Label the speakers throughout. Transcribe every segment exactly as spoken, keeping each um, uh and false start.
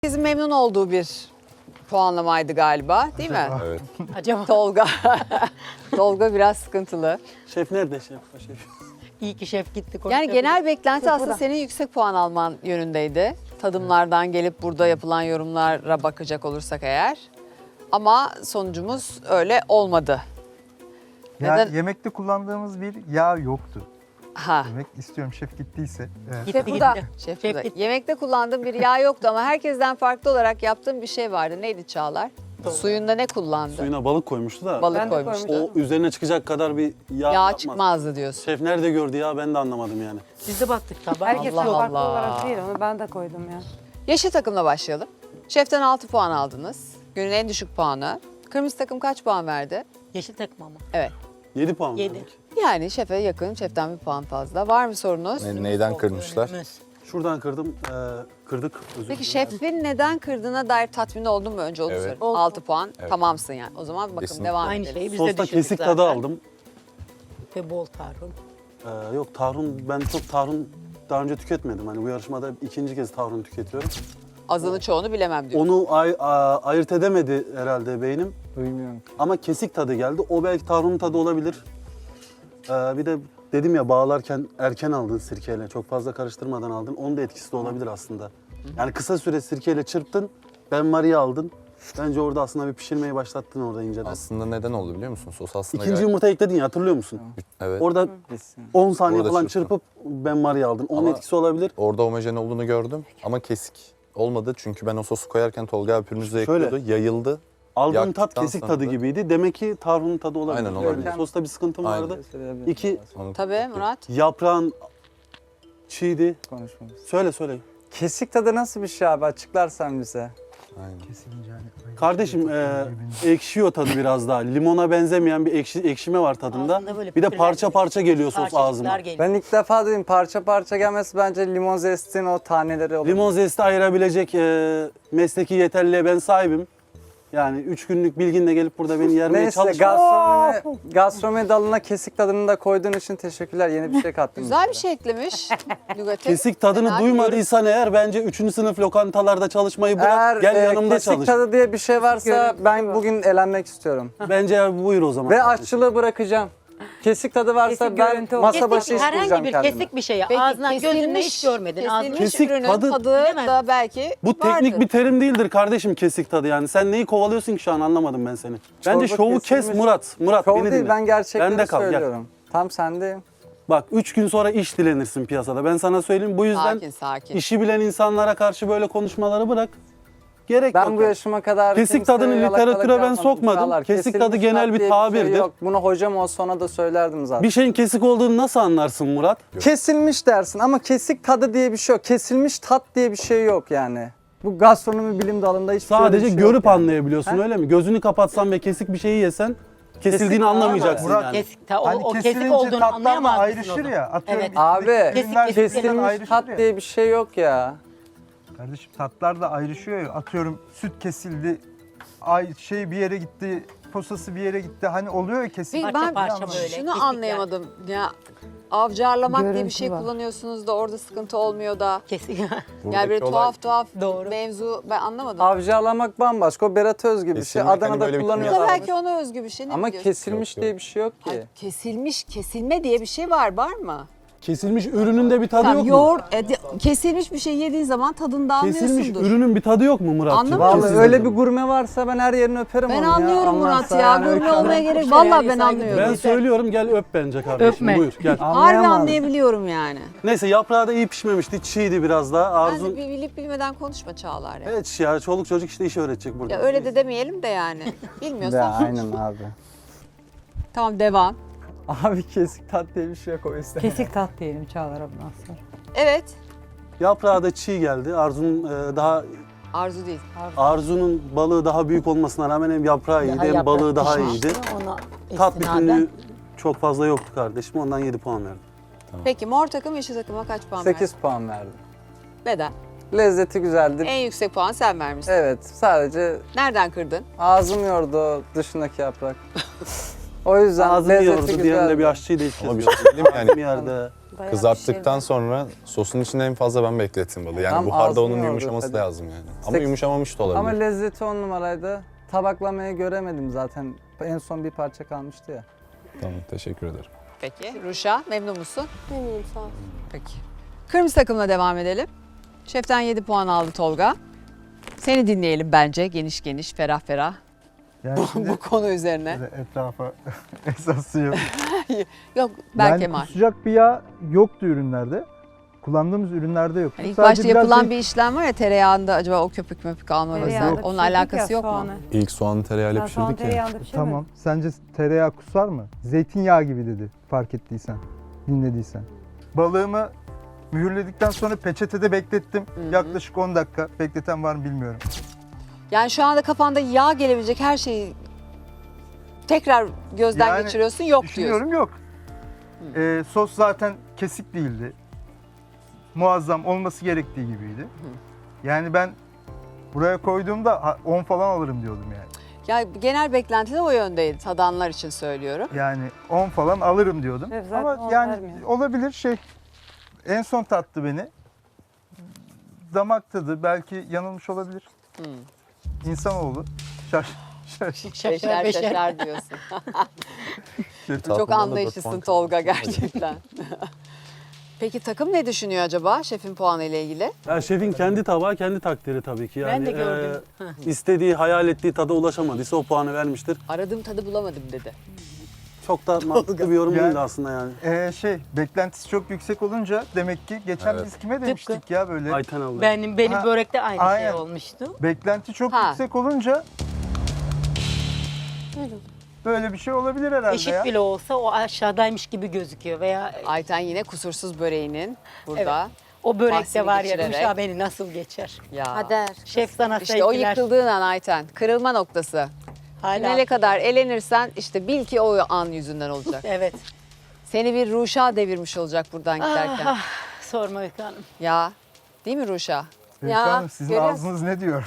Speaker 1: Herkesin memnun olduğu bir puanlamaydı galiba, değil mi?
Speaker 2: Evet.
Speaker 3: Acaba
Speaker 1: Tolga. Tolga biraz sıkıntılı.
Speaker 4: Şef nerede şef? O şef.
Speaker 3: iyi ki şef gitti.
Speaker 1: Yani
Speaker 3: konuşabilir.
Speaker 1: genel beklenti
Speaker 3: Sıfıra.
Speaker 1: aslında senin yüksek puan alman yönündeydi. Tadımlardan gelip burada yapılan yorumlara bakacak olursak eğer. Ama sonucumuz öyle olmadı.
Speaker 5: Ya,
Speaker 1: Neden?
Speaker 5: yemekte kullandığımız bir yağ yoktu.
Speaker 1: Ha.
Speaker 5: Demek istiyorum şef gittiyse. Evet.
Speaker 3: Gitti,
Speaker 1: Şef burada.
Speaker 3: gitti.
Speaker 1: Şef
Speaker 3: Şef
Speaker 1: burada.
Speaker 3: gitti.
Speaker 1: Yemekte kullandığım bir yağ yoktu ama herkesten farklı olarak yaptığım bir şey vardı. Neydi Çağlar? Suyunda ne kullandı?
Speaker 4: Suyuna balık koymuştu da.
Speaker 1: Balık
Speaker 6: Ben de
Speaker 1: koymuştu.
Speaker 6: koymuştum.
Speaker 4: O üzerine çıkacak kadar bir yağ,
Speaker 1: Yağ
Speaker 4: yapmaz.
Speaker 1: çıkmazdı diyorsun.
Speaker 4: Şef nerede gördü ya ben de anlamadım yani.
Speaker 3: Biz de baktık tabağa.
Speaker 6: Herkes
Speaker 1: Allah
Speaker 6: farklı
Speaker 1: Allah.
Speaker 6: olarak değil, onu ben de koydum ya.
Speaker 1: Yeşil takımla başlayalım. Şeften altı puan aldınız. Günün en düşük puanı. Kırmızı takım kaç puan verdi?
Speaker 3: Yeşil takım ama.
Speaker 1: Evet.
Speaker 4: yedi puan
Speaker 3: Yedi.
Speaker 4: verdik.
Speaker 1: Yani şefe yakın, şeften bir puan fazla. Var mı sorunuz?
Speaker 2: Ne- neyden kırmışlar?
Speaker 3: Önümüz.
Speaker 4: Şuradan kırdım, e, kırdık. Özür
Speaker 1: Peki
Speaker 4: dilerim.
Speaker 1: şefin neden kırdığına dair tatmin oldun mu önce onu
Speaker 2: Evet.
Speaker 1: sorayım.
Speaker 3: Oldum.
Speaker 1: altı puan
Speaker 2: Evet.
Speaker 1: tamamsın yani. O zaman bakın
Speaker 2: Kesinlikle.
Speaker 1: devam
Speaker 3: Aynı
Speaker 1: edelim.
Speaker 3: şeyi biz de
Speaker 4: Sosta
Speaker 3: düşündük
Speaker 4: kesik
Speaker 3: zaten.
Speaker 4: tadı aldım.
Speaker 3: Ve bol tarhun.
Speaker 4: E, yok tahrun, ben çok tahrun daha önce tüketmedim. Hani bu yarışmada ikinci kez tahrun tüketiyorum.
Speaker 1: Azını çoğunu bilemem diyor.
Speaker 4: Onu ay- a- ayırt edemedi herhalde beynim.
Speaker 5: Duymuyorum.
Speaker 4: Ama kesik tadı geldi. O belki tahrunun tadı olabilir. E, bir de dedim ya bağlarken erken aldın sirkeyle. Çok fazla karıştırmadan aldın. Onun da etkisi de olabilir aslında. Yani kısa süre sirkeyle çırptın. Ben Maria aldın. Bence orada aslında bir pişirmeyi başlattın orada inceden.
Speaker 2: Aslında neden oldu biliyor musun? Sos aslında
Speaker 4: İkinci
Speaker 2: gayet-
Speaker 4: yumurta ekledin ya hatırlıyor musun?
Speaker 2: Evet.
Speaker 4: Orada on saniye
Speaker 2: Orada
Speaker 4: falan
Speaker 2: çırptım.
Speaker 4: çırpıp ben Maria aldın. Onun
Speaker 2: Ama-
Speaker 4: etkisi olabilir.
Speaker 2: Orada homojen olduğunu gördüm ama kesik olmadı. Çünkü ben o sosu koyarken Tolga abi pürmüzle
Speaker 4: Şöyle.
Speaker 2: ekliyordu. Yayıldı.
Speaker 4: Aldığın tat
Speaker 2: Yaktıktan
Speaker 4: kesik
Speaker 2: sonra
Speaker 4: tadı
Speaker 2: da-
Speaker 4: gibiydi. Demek ki tahrunun tadı olabilir.
Speaker 2: Aynen, olabilir.
Speaker 4: Yani sosta bir sıkıntım
Speaker 2: Aynen.
Speaker 4: vardı. İki,
Speaker 2: Onu-
Speaker 1: Tabii Murat.
Speaker 4: yaprağın çiğdi.
Speaker 7: Konuşmamız.
Speaker 4: Söyle söyle.
Speaker 7: Kesik tadı nasıl bir şey abi? Açıklarsan bize.
Speaker 2: Aynen.
Speaker 5: Kesilince hani.
Speaker 4: Kardeşim e, ekşiyor tadı biraz daha. Limona benzemeyen bir ekşi, ekşime var tadında.
Speaker 3: Ağzında böyle
Speaker 4: Bir de
Speaker 3: pütürler
Speaker 4: parça
Speaker 3: geliyor.
Speaker 4: parça geliyor sos
Speaker 3: Parçacıklar
Speaker 4: ağzıma.
Speaker 3: geliyor.
Speaker 7: Ben ilk defa duydum parça parça gelmesi bence limon zestin o taneleri olur.
Speaker 4: Limon zesti ayırabilecek e, mesleki yeterliliğe ben sahibim. Yani üç günlük bilginle gelip burada beni yermeye
Speaker 7: Neyse
Speaker 4: çalışma.
Speaker 7: gastronomi, gastronomi dalına kesik tadını da koyduğun için teşekkürler. Yeni bir şey kattın.
Speaker 1: Güzel bir şey eklemiş. Lügate.
Speaker 4: Kesik tadını
Speaker 1: Fena
Speaker 4: duymadıysan eğer bence üçüncü sınıf lokantalarda çalışmayı bırak.
Speaker 7: Eğer
Speaker 4: gel
Speaker 7: e,
Speaker 4: yanımda
Speaker 7: kesik
Speaker 4: çalış.
Speaker 7: tadı diye bir şey varsa
Speaker 6: görüntüsü
Speaker 7: ben
Speaker 6: var.
Speaker 7: bugün elenmek istiyorum.
Speaker 4: Bence buyur o zaman.
Speaker 7: Ve aşçılığı bırakacağım. Kesik tadı varsa
Speaker 6: Kesik
Speaker 7: ben
Speaker 6: görüntü
Speaker 7: masa
Speaker 6: olsun.
Speaker 7: başı
Speaker 3: Kesik,
Speaker 7: iş bulacağım
Speaker 3: herhangi bir
Speaker 7: kendime.
Speaker 3: kesik bir şey.
Speaker 1: Peki,
Speaker 3: Ağzından gözünden
Speaker 1: kesilmiş-
Speaker 3: hiç görmedin. Ağzından
Speaker 1: Kesilmiş
Speaker 4: Kesik
Speaker 1: ürünün
Speaker 4: tadı-
Speaker 1: tadı,
Speaker 3: Bilemez
Speaker 1: da belki
Speaker 4: Bu teknik
Speaker 1: vardır.
Speaker 4: bir terim değildir kardeşim kesik tadı yani. Sen neyi kovalıyorsun ki şu an anlamadım ben seni. Bence
Speaker 7: Çorba
Speaker 4: şovu kes
Speaker 7: kesilmiş.
Speaker 4: Murat. Murat
Speaker 7: Şov
Speaker 4: beni
Speaker 7: değil
Speaker 4: dinle.
Speaker 7: ben gerçekleri
Speaker 4: Bende kal, gel.
Speaker 7: söylüyorum. Tam sendeyim.
Speaker 4: Bak üç gün sonra iş dilenirsin piyasada. Ben sana söyleyeyim bu yüzden
Speaker 1: Sakin sakin.
Speaker 4: işi bilen insanlara karşı böyle konuşmaları bırak. Gerek
Speaker 7: Ben
Speaker 4: yok.
Speaker 7: bu yaşıma kadar
Speaker 4: Kesik
Speaker 7: kimseye
Speaker 4: tadını
Speaker 7: yalakalık
Speaker 4: literatüre ben
Speaker 7: yapmadım
Speaker 4: sokmadım.
Speaker 7: Çağlar.
Speaker 4: Kesik
Speaker 7: Kesilmiş
Speaker 4: tadı genel
Speaker 7: tat
Speaker 4: bir
Speaker 7: diye
Speaker 4: tabirdir.
Speaker 7: Şey yok. Bunu hocam olsa ona da söylerdim zaten.
Speaker 4: Bir şeyin kesik olduğunu nasıl anlarsın Murat?
Speaker 7: Kesilmiş dersin ama kesik tadı diye bir şey yok. Kesilmiş tat diye bir şey yok yani. Bu gastronomi bilim dalında hiç
Speaker 4: Sadece
Speaker 7: bir şey
Speaker 4: görüp
Speaker 7: yok yani.
Speaker 4: anlayabiliyorsun öyle mi? Gözünü kapatsan ve kesik bir şeyi yesen kesildiğini
Speaker 7: Kesik-
Speaker 4: anlamayacaksın
Speaker 5: Murat,
Speaker 4: yani.
Speaker 3: Kesik, ta, o,
Speaker 5: Hani
Speaker 3: o kesik
Speaker 5: kesilince
Speaker 3: olduğunu
Speaker 5: tatlar da
Speaker 3: anlayamaz mısın
Speaker 5: ayrışır
Speaker 3: onu?
Speaker 5: ya. Atıyorum
Speaker 3: Evet.
Speaker 5: bir-
Speaker 7: Abi
Speaker 3: Kesik-
Speaker 5: ürünler
Speaker 3: kesik-
Speaker 7: kesilmiş
Speaker 5: ayrışır
Speaker 7: tat
Speaker 5: ya.
Speaker 7: diye bir şey yok ya.
Speaker 5: Kardeşim tatlar da ayrışıyor ya. Atıyorum süt kesildi. Ay şey bir yere gitti. Posası bir yere gitti. Hani oluyor ya kesin.
Speaker 1: Peki
Speaker 3: Parça
Speaker 1: ben
Speaker 3: parça böyle,
Speaker 1: şunu
Speaker 3: kesikler.
Speaker 1: anlayamadım. Ya avcarlamak diye bir
Speaker 6: Görüntü
Speaker 1: şey
Speaker 6: var.
Speaker 1: kullanıyorsunuz da orada sıkıntı olmuyor da.
Speaker 3: Kesik.
Speaker 1: Yani
Speaker 2: Buradaki
Speaker 1: böyle
Speaker 2: olay
Speaker 1: tuhaf tuhaf
Speaker 3: Doğru.
Speaker 1: mevzu ben anlamadım.
Speaker 7: Avcalamak bambaşka. O Berat Özgü bir şey.
Speaker 2: Kesilmek hani
Speaker 7: Adana'da
Speaker 2: böyle bir
Speaker 1: Bu da
Speaker 7: kullanıyorlar.
Speaker 1: belki ona özgü bir şey. Ne
Speaker 7: Ama
Speaker 1: biliyorsun?
Speaker 7: kesilmiş
Speaker 2: Yok, yok.
Speaker 7: diye bir şey yok ki.
Speaker 1: Ay, kesilmiş, kesilme diye bir şey var, var mı?
Speaker 4: Kesilmiş ürünün de bir tadı
Speaker 1: Tamam,
Speaker 4: yok mu?
Speaker 1: yoğurt, e, di- kesilmiş bir şey yediğin zaman tadını da
Speaker 4: Kesilmiş
Speaker 1: anlıyorsundur.
Speaker 4: ürünün bir tadı yok mu Murat'cığım?
Speaker 1: Anlamıyorum.
Speaker 7: Vallahi öyle bir gurme varsa ben her yerini öperim
Speaker 1: Ben
Speaker 7: onu ya.
Speaker 1: anlıyorum Murat
Speaker 7: Anlarsa
Speaker 1: ya.
Speaker 7: yani
Speaker 1: Gurme
Speaker 7: öyle-
Speaker 1: olmaya gerek.
Speaker 3: Şey
Speaker 1: Vallahi
Speaker 3: yani
Speaker 1: ben
Speaker 3: saygı
Speaker 1: anlıyorum.
Speaker 4: Ben
Speaker 3: Yeter.
Speaker 4: söylüyorum gel öp bence kardeşim.
Speaker 3: Öpme.
Speaker 4: Buyur gel.
Speaker 1: Harbi
Speaker 7: Anlayamam.
Speaker 1: anlayabiliyorum yani.
Speaker 4: Neyse yaprağı da iyi pişmemişti. Çiğdi biraz daha.
Speaker 1: Ben
Speaker 4: Arzu...
Speaker 1: de bir bilip bilmeden konuşma Çağlar ya.
Speaker 4: Evet ya çoluk çocuk işte iş öğretecek burada.
Speaker 1: Ya öyle de demeyelim de yani. Bilmiyorsan.
Speaker 7: Ya aynen abi.
Speaker 1: Tamam devam.
Speaker 7: Abi kesik tat diye bir şey yok o yüzden.
Speaker 6: Kesik tat diyelim Çağlar bundan sonra.
Speaker 1: Evet.
Speaker 4: Yaprağı da çiğ geldi. Arzu'nun e, daha
Speaker 1: Arzu değil.
Speaker 4: Arzu'nun balığı daha büyük olmasına rağmen hem yaprağı iyiydi
Speaker 3: Daha
Speaker 4: hem
Speaker 3: yaprak
Speaker 4: balığı daha
Speaker 3: pişmişti,
Speaker 4: iyiydi.
Speaker 3: Ona
Speaker 4: Tat
Speaker 3: istinaden
Speaker 4: bütünlüğü çok fazla yoktu kardeşim. Ondan yedi puan verdim.
Speaker 1: Peki mor takım yeşil takıma kaç puan verdin?
Speaker 7: sekiz puan verdim.
Speaker 1: Neden?
Speaker 7: Lezzeti güzeldi.
Speaker 1: En yüksek puan sen vermişsin.
Speaker 7: Evet sadece
Speaker 1: Nereden kırdın?
Speaker 7: ağzım yordu o dışındaki yaprak. O yüzden
Speaker 4: Ağzını
Speaker 7: lezzeti
Speaker 4: yordu diyen de
Speaker 7: güzeldi.
Speaker 4: bir aşçıydı ilk kez.
Speaker 2: Ama bir
Speaker 4: gördüm.
Speaker 2: şey söyleyeyim mi?
Speaker 4: Ağzım
Speaker 2: Yani
Speaker 4: yerde.
Speaker 6: Bayağı
Speaker 2: Kızarttıktan
Speaker 6: pişirdim.
Speaker 2: sonra sosun içinde en fazla ben beklettim balığı. Yani
Speaker 7: Tam
Speaker 2: buharda
Speaker 7: ağzını
Speaker 2: onun
Speaker 7: yordu
Speaker 2: yumuşaması
Speaker 7: tabii.
Speaker 2: lazım yani. Ama
Speaker 7: Seks-
Speaker 2: yumuşamamış da olabilir.
Speaker 7: Ama lezzeti on numaraydı. Tabaklamayı göremedim zaten. En son bir parça kalmıştı ya.
Speaker 2: Tamam, teşekkür ederim.
Speaker 1: Peki. Ruşa memnun musun?
Speaker 8: Memnunum sağ ol.
Speaker 1: Peki. Kırmızı takımla devam edelim. Şeften yedi puan aldı Tolga. Seni dinleyelim bence geniş geniş, ferah ferah
Speaker 5: Yani
Speaker 1: bu,
Speaker 5: şimdi
Speaker 1: bu konu üzerine.
Speaker 5: böyle etrafa esası yok.
Speaker 1: Yok Berk
Speaker 5: Yani
Speaker 1: Kemal.
Speaker 5: kusacak bir yağ yoktu ürünlerde. Kullandığımız ürünlerde yok.
Speaker 1: Hani ilk
Speaker 5: Sadece
Speaker 1: başta
Speaker 5: biraz
Speaker 1: yapılan
Speaker 5: şey-
Speaker 1: bir işlem var ya tereyağında acaba o köpük möpük alma
Speaker 6: Tereyağında
Speaker 1: vesaire. Onun
Speaker 6: pişirdik
Speaker 1: alakası
Speaker 6: ya
Speaker 1: yok mu?
Speaker 6: soğanı.
Speaker 2: İlk soğanı tereyağıyla
Speaker 6: Ben soğan
Speaker 2: pişirdik ya.
Speaker 6: tereyağında pişirmedim.
Speaker 5: Tamam. Sence tereyağı kusar mı? Zeytinyağı gibi dedi fark ettiysen, dinlediysen. Balığımı mühürledikten sonra peçetede beklettim.
Speaker 1: hı.
Speaker 5: Yaklaşık on dakika. Bekleten var mı bilmiyorum.
Speaker 1: Yani şu anda kafanda yağ gelebilecek her şeyi tekrar gözden
Speaker 5: Yani
Speaker 1: geçiriyorsun yok diyorsun.
Speaker 5: Düşünüyorum yok. Ee, sos zaten kesik değildi. Muazzam olması gerektiği gibiydi. Yani ben buraya koyduğumda ha, on falan alırım diyordum yani.
Speaker 1: Ya genel beklentide o yöndeydi tadanlar için söylüyorum.
Speaker 5: Yani on falan alırım diyordum.
Speaker 6: Evet, zaten
Speaker 5: Ama
Speaker 6: on
Speaker 5: yani
Speaker 6: vermiyor.
Speaker 5: olabilir şey. En son tattı beni. Damak tadı belki yanılmış olabilir.
Speaker 1: Hmm.
Speaker 5: İnsanoğlu. Şaş, şaş.
Speaker 1: Beşer beşer diyorsun. Çok
Speaker 2: Tatlıdan da dört
Speaker 1: anlayışlısın
Speaker 2: puan
Speaker 1: Tolga
Speaker 2: kazandım.
Speaker 1: gerçekten. Peki takım ne düşünüyor acaba şefin puanı ile ilgili?
Speaker 4: Ya şefin kendi tabağı kendi takdiri tabii ki. Yani,
Speaker 3: Ben de gördüm.
Speaker 4: e, istediği, hayal ettiği tada ulaşamadıysa o puanı vermiştir.
Speaker 1: Aradığım tadı bulamadım dedi.
Speaker 4: Çok da mantıklı bir yorum
Speaker 5: Yani-
Speaker 4: değildi aslında yani.
Speaker 5: Ee, şey beklentisi çok yüksek olunca demek ki geçen
Speaker 2: Evet.
Speaker 5: biz kime demiştik ya böyle.
Speaker 4: Ayten abla.
Speaker 3: Benim benim
Speaker 5: Ha,
Speaker 3: börekte aynı
Speaker 5: aynen.
Speaker 3: şey olmuştu.
Speaker 5: Beklenti çok
Speaker 1: Ha.
Speaker 5: yüksek olunca böyle bir şey olabilir herhalde
Speaker 3: Eşit
Speaker 5: ya.
Speaker 3: bile olsa o aşağıdaymış gibi gözüküyor veya
Speaker 1: Ayten yine kusursuz böreğinin burada.
Speaker 3: o börekte
Speaker 1: bahsini
Speaker 3: var ya
Speaker 1: geçirerek.
Speaker 3: Ruşa beni nasıl geçer?
Speaker 1: Ya.
Speaker 8: Kader.
Speaker 3: Şef sana
Speaker 1: İşte o
Speaker 3: sevgiler.
Speaker 1: yıkıldığın an Ayten. Kırılma noktası.
Speaker 3: Hala.
Speaker 1: Finale kadar elenirsen işte bil ki o an yüzünden olacak.
Speaker 3: Evet.
Speaker 1: Seni bir Ruşa devirmiş olacak buradan giderken.
Speaker 3: Ah, sorma Öykü Hanım.
Speaker 1: Ya değil mi Ruşa?
Speaker 5: Öykü
Speaker 8: Ya,
Speaker 5: Hanım, sizin
Speaker 8: görüyorsun.
Speaker 5: ağzınız ne diyor?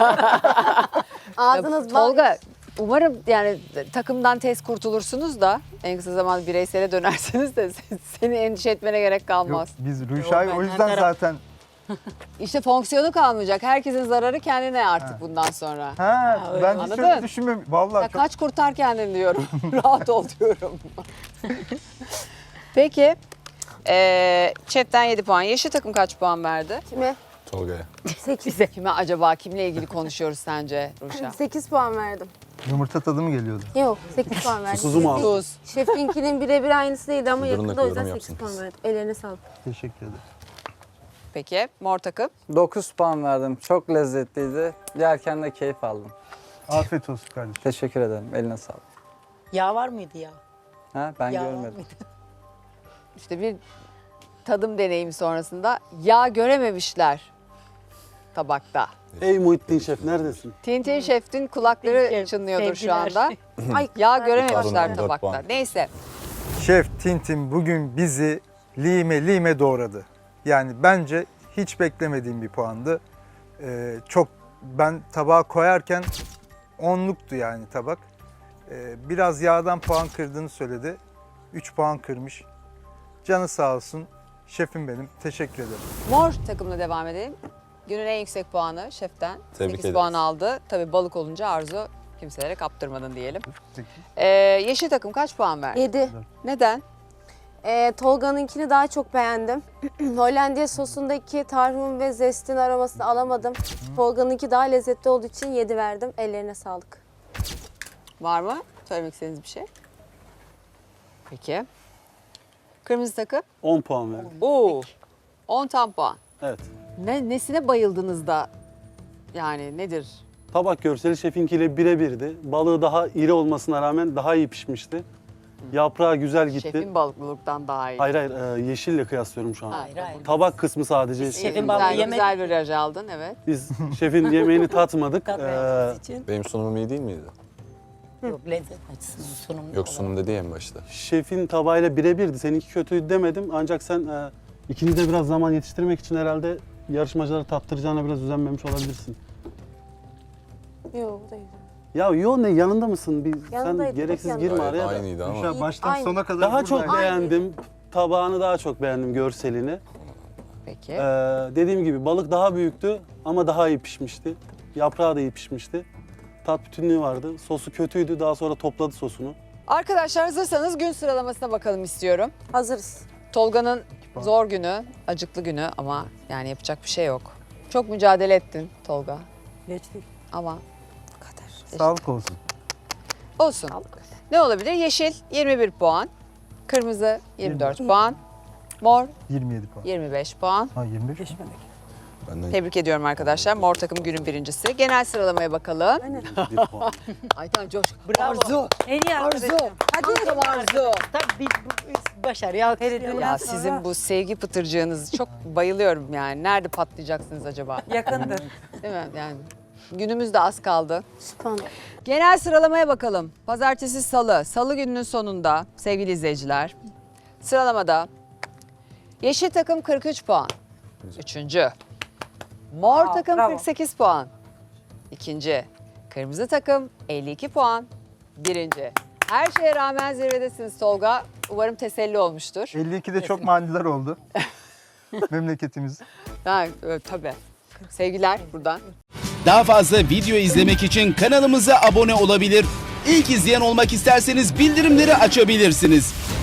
Speaker 8: Ağzınız bal.
Speaker 1: Tolga umarım yani takımdan tez kurtulursunuz da en kısa zamanda bireysele dönersiniz de seni endişe etmene gerek
Speaker 5: Yok,
Speaker 1: kalmaz.
Speaker 5: biz Ruşa'yı
Speaker 3: ben
Speaker 5: o
Speaker 3: her
Speaker 5: yüzden
Speaker 3: taraf-
Speaker 5: zaten
Speaker 1: İşte fonksiyonu kalmayacak. Herkesin zararı kendine artık
Speaker 5: Ha.
Speaker 1: bundan sonra.
Speaker 5: ha
Speaker 3: öyle.
Speaker 5: ben hiç
Speaker 1: Anladın?
Speaker 5: öyle düşünmüyorum. Vallahi
Speaker 1: Ya
Speaker 5: çok
Speaker 1: kaç kurtar kendini diyorum. Rahat ol diyorum. Peki. Ee, chatten yedi puan. Yeşil takım kaç puan verdi?
Speaker 8: Kime?
Speaker 2: Tolga'ya.
Speaker 8: sekiz.
Speaker 1: Kime acaba? Kimle ilgili konuşuyoruz sence Ruşa?
Speaker 8: sekiz puan verdim.
Speaker 5: yumurta tadı mı geliyordu?
Speaker 8: Yok sekiz puan verdim.
Speaker 4: Kuzu mu aldın?
Speaker 1: Tuz.
Speaker 8: Şefinkinin birebir aynısı değildi ama
Speaker 2: Durun da
Speaker 8: yakında o yüzden
Speaker 2: yorum
Speaker 8: sekiz
Speaker 2: yapsın.
Speaker 8: puan verdim. Ellerine sağlık.
Speaker 5: Teşekkür ederim.
Speaker 1: Peki. Mor takım.
Speaker 7: dokuz puan verdim. Çok lezzetliydi. Yerken de keyif aldım.
Speaker 5: Afiyet olsun kardeşim.
Speaker 7: Teşekkür ederim. Eline sağlık.
Speaker 3: Yağ var mıydı ya?
Speaker 7: Ha, ben
Speaker 3: Yağ var
Speaker 7: görmedim.
Speaker 3: mıydı?
Speaker 1: İşte bir tadım deneyimi sonrasında yağ görememişler tabakta.
Speaker 4: Ey Muhittin Şef neredesin?
Speaker 1: Tintin Şef'in kulakları
Speaker 3: Şef,
Speaker 1: çınlıyordur şu
Speaker 3: sevgiler.
Speaker 1: anda.
Speaker 8: Ay,
Speaker 1: Yağ
Speaker 8: ben-
Speaker 1: görememişler
Speaker 2: Pardon, dört
Speaker 1: tabakta.
Speaker 2: puan.
Speaker 1: Neyse.
Speaker 5: Şef Tintin bugün bizi lime lime doğradı. Yani bence hiç beklemediğim bir puandı. Ee, çok ben tabağa koyarken onluktu yani tabak. Ee, biraz yağdan puan kırdığını söyledi. üç puan kırmış. Canı sağ olsun. Şefim benim. Teşekkür ederim.
Speaker 1: Mor takımla devam edelim. Günün en yüksek puanı şeften.
Speaker 2: Tebrik
Speaker 1: sekiz
Speaker 2: ederiz.
Speaker 1: puan aldı. Tabii balık olunca Arzu kimselere kaptırmadın diyelim.
Speaker 5: Peki.
Speaker 1: Ee, yeşil takım kaç puan verdi?
Speaker 8: yedi.
Speaker 1: Neden?
Speaker 8: Ee, Tolga'nınkini daha çok beğendim. Hollandiya sosundaki tarhun ve zestin aromasını alamadım. Tolga'nınki daha lezzetli olduğu için yedi verdim. Ellerine sağlık.
Speaker 1: Var mı? Söylemek istediğiniz bir şey? Peki. Kırmızı takım.
Speaker 4: on puan verdim.
Speaker 1: Oo. on tam puan.
Speaker 4: Evet.
Speaker 1: Ne, nesine bayıldınız da yani nedir?
Speaker 4: Tabak görseli şefinkiyle birebirdi. Balığı daha iri olmasına rağmen daha iyi pişmişti. Yaprağı güzel gitti.
Speaker 1: Şefin balıklılıktan daha iyi.
Speaker 4: Hayır hayır e, yeşille kıyaslıyorum şu an.
Speaker 1: Hayır, hayır.
Speaker 4: Tabak kısmı sadece.
Speaker 1: İyi,
Speaker 3: Şefin
Speaker 1: güzel,
Speaker 3: balığı yemek-
Speaker 1: güzel bir raj aldın evet.
Speaker 4: Biz şefin yemeğini tatmadık.
Speaker 3: Tatmayacağımız
Speaker 4: Ee,
Speaker 3: için.
Speaker 2: Benim sunumum iyi değil miydi?
Speaker 3: Yok lezzet açısından sunum.
Speaker 2: Yok sunum dedi ya en başta.
Speaker 4: şefin tabağıyla birebirdi. Seninki kötüydü demedim. Ancak sen e, ikiniz de biraz zaman yetiştirmek için herhalde yarışmacıları tattıracağına biraz özenmemiş olabilirsin.
Speaker 8: Yok bu da güzel.
Speaker 4: Ya yo ne yanında mısın? Bir, sen
Speaker 8: Yanındaydım,
Speaker 4: gereksiz
Speaker 8: hep
Speaker 4: girme
Speaker 8: yanındaydım.
Speaker 4: araya da.
Speaker 2: Aynıydı ama.
Speaker 5: Ruşa baştan
Speaker 8: Aynı.
Speaker 5: sona kadar
Speaker 4: Daha
Speaker 5: buradaydı.
Speaker 4: çok beğendim. tabağını daha çok beğendim, görselini.
Speaker 1: Peki.
Speaker 4: Ee, dediğim gibi balık daha büyüktü ama daha iyi pişmişti. Yaprağı da iyi pişmişti. Tat bütünlüğü vardı. Sosu kötüydü. Daha sonra topladı sosunu.
Speaker 1: Arkadaşlar hazırsanız gün sıralamasına bakalım istiyorum.
Speaker 8: Hazırız.
Speaker 1: Tolga'nın zor günü, acıklı günü ama yani yapacak bir şey yok. Çok mücadele ettin Tolga
Speaker 6: Geçtik.
Speaker 1: ama
Speaker 5: Sağlık olsun.
Speaker 1: olsun. Ne olabilir? Yeşil yirmi bir puan, kırmızı yirmi dört puan, mor
Speaker 5: yirmi yedi puan.
Speaker 1: yirmi beş puan.
Speaker 5: Ha yirmi beş.
Speaker 6: Geçmedik.
Speaker 2: Benden
Speaker 1: Tebrik ediyorum arkadaşlar. Mor takım günün birincisi. Genel sıralamaya bakalım.
Speaker 4: Bir puan.
Speaker 1: Ayten coş.
Speaker 3: Bravo.
Speaker 1: Arzu.
Speaker 6: En iyi
Speaker 1: Arzu.
Speaker 6: arkadaşım.
Speaker 1: Hadi Arzu.
Speaker 3: Tabii biz bu başarıyı alkışlayalım.
Speaker 1: Ya
Speaker 6: sonra-
Speaker 1: sizin bu sevgi pıtırcığınız çok bayılıyorum yani. Nerede patlayacaksınız acaba?
Speaker 6: Yakındır.
Speaker 1: Değil mi? Yani günümüz de az kaldı.
Speaker 8: Süper.
Speaker 1: Genel sıralamaya bakalım. Pazartesi, salı. Salı gününün sonunda sevgili izleyiciler. Sıralamada yeşil takım kırk üç puan. Üçüncü. Mor
Speaker 6: Aa,
Speaker 1: takım
Speaker 6: bravo.
Speaker 1: kırk sekiz puan. İkinci. Kırmızı takım elli iki puan. Birinci. Her şeye rağmen zirvedesiniz Tolga. Umarım teselli olmuştur.
Speaker 5: elli ikide çok maniler oldu. Memleketimiz.
Speaker 1: Ha, e, tabii. Sevgiler buradan.
Speaker 9: Daha fazla video izlemek için kanalımıza abone olabilir. İlk izleyen olmak isterseniz bildirimleri açabilirsiniz.